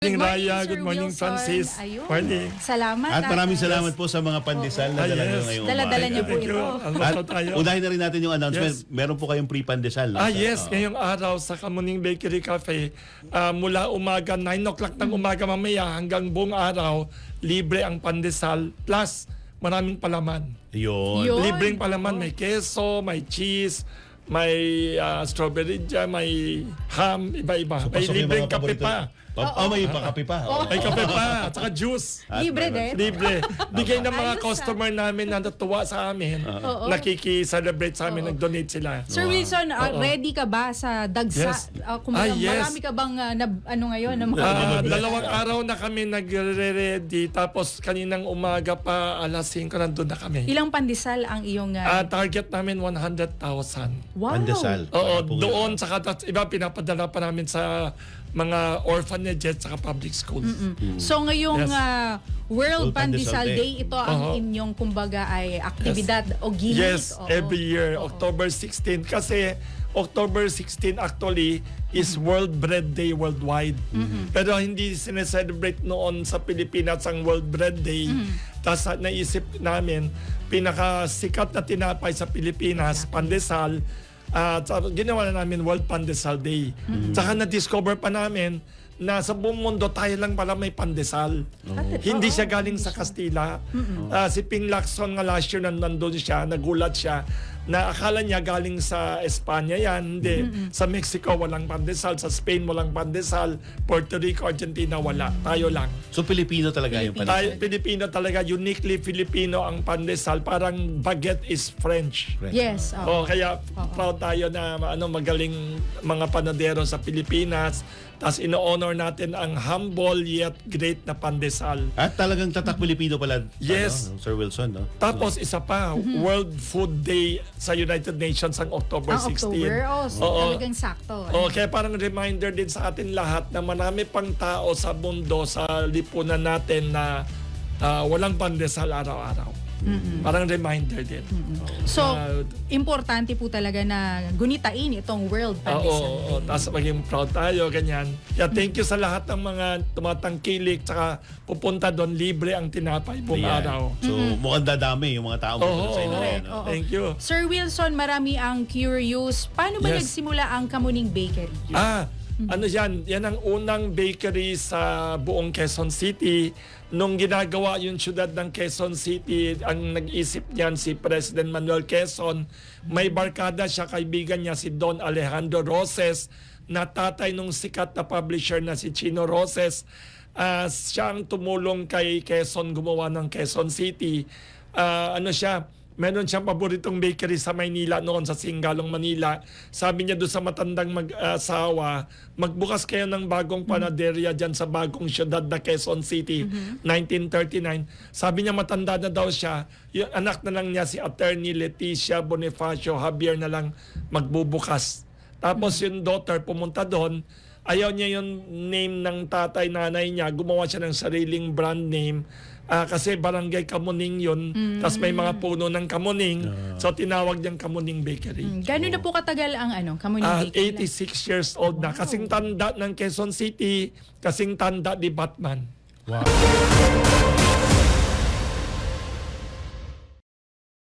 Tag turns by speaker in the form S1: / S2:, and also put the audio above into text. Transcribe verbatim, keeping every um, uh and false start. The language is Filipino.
S1: Good morning,
S2: Raya,
S1: Sir
S2: good morning,
S1: Wilson.
S2: Francis.
S1: Ayun.
S2: Morning.
S1: Salamat.
S3: At maraming
S1: ah,
S3: salamat po sa mga pandesal na
S2: Ah,
S3: dala
S2: yes.
S3: nyo ngayong
S1: Dala-dala
S3: umaga.
S1: niyo po
S2: Thank you.
S1: ito.
S2: Almost
S3: At
S2: tayo.
S3: unahin na rin natin yung announcement.
S2: Yes.
S3: Meron po kayong free pandesal. no?
S2: Ah,
S3: Sa-
S2: yes.
S3: oo.
S2: Ngayong araw sa Kamuning Bakery Cafe, ah, mula umaga, nine o'clock ng umaga mamaya hanggang buong araw, libre ang pandesal plus maraming palaman.
S3: Yun.
S1: Yun.
S2: Libreng palaman. May keso, may cheese, may ah, strawberry jam, may ham, iba-iba. may
S3: Pasok yung
S2: libreng
S3: mga
S2: kape
S3: paborito-
S2: pa.
S3: Pa- oh, may pakape pa. Oo.
S2: May kape pa, at saka juice.
S3: At
S1: Libre
S3: meron-
S1: din.
S2: Libre. Bigay ng mga
S1: Ayos, ah.
S2: customer namin na natuwa sa amin.
S1: Oo.
S2: Nakiki-celebrate sa amin, nag-donate sila.
S1: Sir Wilson, ah,
S2: Oo.
S1: ready ka ba sa dagsa?
S2: Yes.
S1: Ah, kung
S2: Ah, yes.
S1: marami ka bang ah, nab- ano ngayon? Na mga
S2: Ah, dalawang araw na kami nagre-ready, tapos kaninang umaga pa alas singko nandun na kami.
S1: Ilang pandesal ang iyong...
S2: Ah,
S1: ah,
S2: target namin one hundred thousand.
S1: wow.
S3: Pandesal.
S2: Oo,
S3: Para po
S2: doon
S3: yun.
S2: sa katas, iba pinapadala pa namin sa mga orphanages at public schools.
S1: So ngayong
S2: Yes.
S1: ah, World
S3: World Pandesal
S1: Pandesal
S3: Day.
S1: Day, ito ang
S2: Oo.
S1: inyong kumbaga ay aktibidad o gimmick.
S2: Yes,
S1: Oo.
S2: every year, October sixteenth. Kasi October sixteenth actually is World Bread Day worldwide. Pero hindi sineselebrate noon sa Pilipinas ang World Bread Day. Tapos ah, naisip namin, pinakasikat na tinapay sa Pilipinas, pandesal, at uh, ginawa na namin World Pandesal Day. Tsaka na-discover pa namin na sa buong mundo tayo lang pala may pandesal. Hindi siya galing sa Kastila. Ah, si Ping Lacson nga last year nan- nandun siya, nagulat siya na akala niya galing sa Espanya yan. Hindi. Sa Mexico walang pandesal, sa Spain walang pandesal, Puerto Rico, Argentina wala. Tayo lang.
S3: So, Pilipino talaga yung
S2: Tayo,
S3: pandesal.
S2: Pilipino talaga, uniquely Filipino ang pandesal. Parang baguette is French.
S1: Yes. oo.
S2: Oh, kaya proud tayo na ano magaling mga panadero sa Pilipinas. Tapos ino-honor natin ang humble yet great na pandesal.
S3: At talagang tatak Pilipino pala.
S2: Yes.
S3: ano, Sir Wilson, no?
S2: Tapos isa pa, World Food Day sa United Nations ang October
S1: Ang
S2: sixteenth.
S1: October, oh, so
S2: Oo.
S1: talagang sakto.
S2: Oh, kaya parang reminder din sa atin lahat na marami pang tao sa mundo, sa lipunan natin na ah, walang pandesal araw-araw. Parang reminder din.
S1: So,
S2: Ah,
S1: importante po talaga na gunitain itong World
S2: Oo,
S1: Pandesal
S2: oo,
S1: Day.
S2: tapos maging proud tayo, ganyan. Kaya thank you sa lahat ng mga tumatangkilik, tsaka pupunta doon, libre ang tinapay buong
S3: Ayan.
S2: araw.
S3: So, mukhang dadami yung mga tao mo
S2: Oo,
S3: sa inyo.
S2: oo.
S3: na yan, no?
S1: Oo.
S2: Thank you.
S1: Sir Wilson, marami ang curious. Paano ba
S2: Yes.
S1: nagsimula ang Kamuning Bakery?
S2: Ah, ano yan? Yan ang unang bakery sa buong Quezon City. Nung ginagawa yung syudad ng Quezon City, ang nag-isip niyan si President Manuel Quezon. May barkada siya, kaibigan niya si Don Alejandro Roses, na tatay nung sikat na publisher na si Chino Roses. Ah, siya ang tumulong kay Quezon gumawa ng Quezon City. Ah, ano siya? Meron siyang paboritong bakery sa Maynila noon, sa Singalong, Manila. Sabi niya doon sa matandang mag-asawa, magbukas kayo ng bagong panaderia dyan sa bagong syudad na Quezon City, nineteen thirty-nine. Sabi niya matanda na daw siya, yung anak na lang niya si Attorney Leticia Bonifacio Javier na lang magbubukas. Tapos yung daughter pumunta doon, ayaw niya yung name ng tatay, nanay niya, gumawa siya ng sariling brand name. Ah, kasi barangay Kamuning yun, tapos may mga puno ng Kamuning, so tinawag niyang Kamuning Bakery.
S1: Mm, Gano'n na po katagal ang ano, Kamuning
S2: Ah,
S1: Bakery?
S2: eighty-six years old na, kasing tanda ng Quezon City, kasing tanda ni Batman.
S3: Wow.